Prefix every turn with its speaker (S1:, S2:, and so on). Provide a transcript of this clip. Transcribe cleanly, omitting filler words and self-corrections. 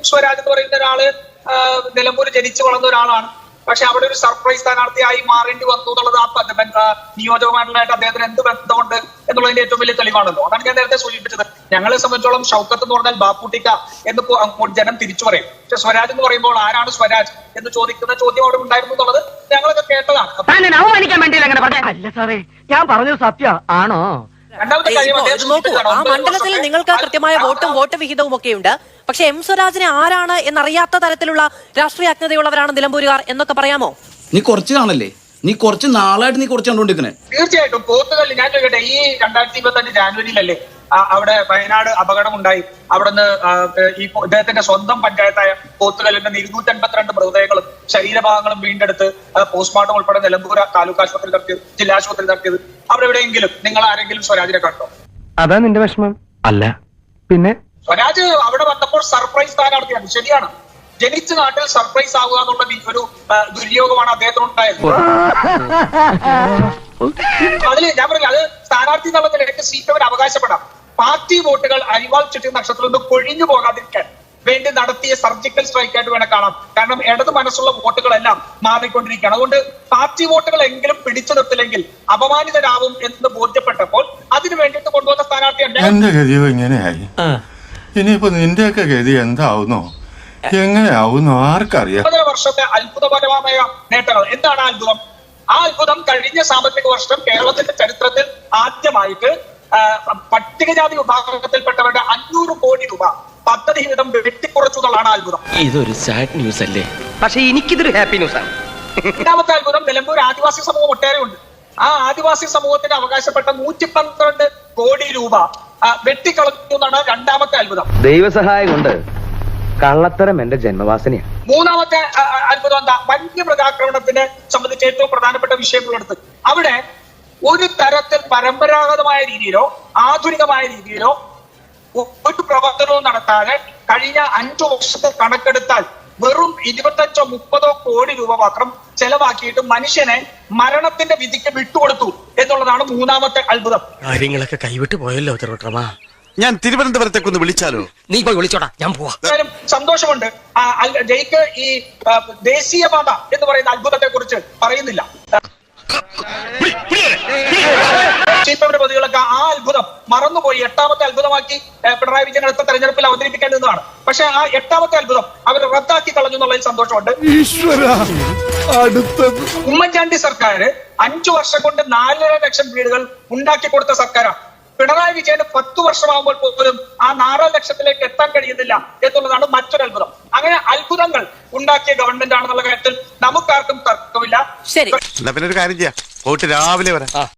S1: സ്വരാജ് എന്ന് പറയുന്ന ഒരാള് നിലമ്പൂർ ജനിച്ചു വളർന്ന ഒരാളാണ്. പക്ഷെ അവിടെ ഒരു സർപ്രൈസ് സ്ഥാനാർത്ഥിയായി മാറേണ്ടി വന്നു എന്നുള്ളത് ആ നിയോജകമണ്ഡലമായിട്ട് അദ്ദേഹത്തിന് എന്ത് ബന്ധമുണ്ട് എന്നുള്ളതിന്റെ ഏറ്റവും വലിയ തെളിവാണല്ലോ. അതാണ് ഞാൻ നേരത്തെ സൂചിപ്പിച്ചത്. ഞങ്ങളെ സംബന്ധിച്ചോളം ഷൗക്കത്ത് എന്ന് പറഞ്ഞാൽ ബാപ്പുട്ടിക്ക എന്ന് ജനം തിരിച്ചു പറയും. പക്ഷെ സ്വരാജ് എന്ന് പറയുമ്പോൾ ആരാണ് സ്വരാജ് എന്ന് ചോദിക്കുന്ന ചോദ്യം അവിടെ ഉണ്ടായിരുന്നു എന്നുള്ളത് ഞങ്ങളൊക്കെ കേട്ടതാണ്.
S2: അല്ല സാറേ, ഞാൻ പറഞ്ഞത് സത്യം ആണോ?
S1: രണ്ടാമത്തെ കാര്യം
S3: ആ മണ്ഡലത്തിൽ നിങ്ങൾക്ക് കൃത്യമായ വോട്ട് വിഹിതവും ഒക്കെ ഉണ്ട്. പക്ഷെ എം സ്വരാജിനെ ആരാണ് എന്നറിയാത്ത തരത്തിലുള്ള രാഷ്ട്രീയ അജ്ഞതയുള്ളവരാണ് നിലമ്പൂരുകാർ എന്നൊക്കെ പറയാമോ?
S4: നീ കുറച്ച് കാണല്ലേ, നീ കുറച്ച് നാളായിട്ട് നീ കുറച്ച് കണ്ടുകൊണ്ടിരിക്കണേ.
S1: തീർച്ചയായിട്ടും പോത്തുകല്ല് ഞാൻ ചോദിക്കട്ടെ, ഈ 2025 ജാനുവരിയിലല്ലേ അവിടെ വയനാട് അപകടമുണ്ടായി. അവിടുന്ന് ഈ ഇദ്ദേഹത്തിന്റെ സ്വന്തം പഞ്ചായത്തായ പോത്തുകല്ലിന്റെ 252 മൃതദേഹങ്ങളും ശരീരഭാഗങ്ങളും വീണ്ടെടുത്ത് പോസ്റ്റ്മോർട്ടം ഉൾപ്പെടെ നിലമ്പൂർ താലൂക്ക് ആശുപത്രി നടത്തിയത്, ജില്ലാ ആശുപത്രി നടത്തിയത്. അവിടെ എവിടെയെങ്കിലും നിങ്ങൾ ആരെങ്കിലും സ്വരാജിനെ കണ്ടോ?
S2: അതാ നിന്റെ വിഷമം? അല്ല പിന്നെ
S1: സ്വരാജ് അവിടെ വന്നപ്പോൾ സർപ്രൈസ് സ്ഥാനാർത്ഥിയാണ്. ശരിയാണ്, ജനിച്ച നാട്ടിൽ സർപ്രൈസ് ആവുക എന്നുള്ള ഒരു ദുര്യോഗമാണ് അദ്ദേഹത്തിനുണ്ടായത്. അതിൽ ഞാൻ പറഞ്ഞില്ല, അത് സ്ഥാനാർത്ഥി എന്നുള്ള നിലയ്ക്ക് സീറ്റ് അവർ അവകാശപ്പെടാം. പാർട്ടി വോട്ടുകൾ അരിവാൾ ചുറ്റി നക്ഷത്രത്തിൽ നിന്ന് കൊഴിഞ്ഞു പോകാതിരിക്കാൻ വേണ്ടി നടത്തിയ സർജിക്കൽ സ്ട്രൈക്ക് ആയിട്ട് വേണം കാണാം. കാരണം ഇടത് മനസ്സുള്ള വോട്ടുകളെല്ലാം മാറിക്കൊണ്ടിരിക്കുകയാണ്. അതുകൊണ്ട് പാർട്ടി വോട്ടുകൾ എങ്കിലും പിടിച്ചു നിർത്തില്ലെങ്കിൽ അപമാനിതരാവും എന്ന് ബോധ്യപ്പെട്ടപ്പോൾ അതിനു വേണ്ടിയിട്ട് കൊണ്ടുവന്ന സ്ഥാനാർത്ഥിയാണ്.
S5: എന്റെ ഗതിയോ ഇങ്ങനെയായി, ഇനിയിപ്പോ നിന്റെയൊക്കെ ഗതി എന്താവുന്നോ എങ്ങനെയാവുന്നോ ആർക്കറിയാം.
S1: 15 വർഷത്തെ അത്ഭുതപരമായ നേട്ടങ്ങൾ. എന്താണ് ആ അത്ഭുതം? ആ അത്ഭുതം കഴിഞ്ഞ സാമ്പത്തിക വർഷം കേരളത്തിന്റെ ചരിത്രത്തിൽ ആദ്യമായിട്ട് പട്ടികജാതി വിഭാഗത്തിൽപ്പെട്ടവരുടെ 500 കോടി രൂപ പദ്ധതി വിധം വെട്ടിക്കുറച്ചു എന്നുള്ളതാണ് അത്ഭുതം.
S4: ഇതൊരു സാഡ് ന്യൂസ് അല്ലേ?
S2: പക്ഷെ എനിക്കിതൊരു ഹാപ്പി ന്യൂസ് ആണ്.
S1: രണ്ടാമത്തെ അത്ഭുതം, നിലമ്പൂർ ആദിവാസി സമൂഹം ഒട്ടേറെ ഉണ്ട്. ആ ആദിവാസി സമൂഹത്തിന് അവകാശപ്പെട്ട 112 കോടി രൂപ വെട്ടിക്കളഞ്ഞു എന്നാണ് രണ്ടാമത്തെ അത്ഭുതം.
S6: ദൈവസഹായം കൊണ്ട് കള്ളത്തരം എന്റെ ജന്മവാസനയാണ്.
S1: മൂന്നാമത്തെ അത്ഭുതം എന്താ? വന്യമൃഗാക്രമണത്തിനെ സംബന്ധിച്ച് ഏറ്റവും പ്രധാനപ്പെട്ട വിഷയങ്ങളെടുത്ത് അവിടെ ഒരു തരത്തിൽ പരമ്പരാഗതമായ രീതിയിലോ ആധുനികമായ രീതിയിലോ ഒരു പ്രവർത്തനവും നടത്താതെ കഴിഞ്ഞ 5 വർഷത്തെ കണക്കെടുത്താൽ വെറും 25-30 കോടി രൂപ മാത്രം ചെലവാക്കിയിട്ട് മനുഷ്യനെ മരണത്തിന്റെ വിധിക്ക് വിട്ടുകൊടുത്തു എന്നുള്ളതാണ് മൂന്നാമത്തെ അത്ഭുതം.
S7: കാര്യങ്ങളൊക്കെ കൈവിട്ട് പോയല്ലോ ചെറുട്ടമാ.
S8: ഞാൻ തിരുവനന്തപുരത്തേക്കൊന്ന് വിളിച്ചാലോ?
S7: നീ പോയി വിളിച്ചോടാ, ഞാൻ പോവാ.
S1: സന്തോഷമുണ്ട്. ജയിക്ക് ഈ ദേശീയപാത എന്ന് പറയുന്ന അത്ഭുതത്തെ കുറിച്ച് പറയുന്നില്ല. ചീഫിന്റെ പ്രതികളൊക്കെ ആ അത്ഭുതം മറന്നുപോയി 8ാമത്തെ അത്ഭുതമാക്കി പിണറായി വിജയൻ അടുത്ത തെരഞ്ഞെടുപ്പിൽ അവതരിപ്പിക്കേണ്ടതാണ്. പക്ഷെ ആ 8ാമത്തെ അത്ഭുതം അവർ റദ്ദാക്കി കളഞ്ഞു എന്നുള്ളതിൽ സന്തോഷമുണ്ട്. ഉമ്മൻചാണ്ടി സർക്കാർ 5 വർഷം കൊണ്ട് 4.5 ലക്ഷം വീടുകൾ ഉണ്ടാക്കി കൊടുത്ത സർക്കാരാണ്. പിണറായി വിജയന് 10 വർഷമാകുമ്പോൾ പോലും ആ 4 ലക്ഷത്തിലേക്ക് എത്താൻ കഴിയുന്നില്ല എന്നുള്ളതാണ് മറ്റൊരു അത്ഭുതം. അങ്ങനെ അത്ഭുതങ്ങൾ ഉണ്ടാക്കിയ ഗവൺമെന്റ് ആണെന്നുള്ള കാര്യത്തിൽ നമുക്കാർക്കും തർക്കമില്ല.
S3: ശരി,
S8: എന്നാ പിന്നെ ഒരു കാര്യം ചെയ്യാം, പോയിട്ട് രാവിലെ വരാം.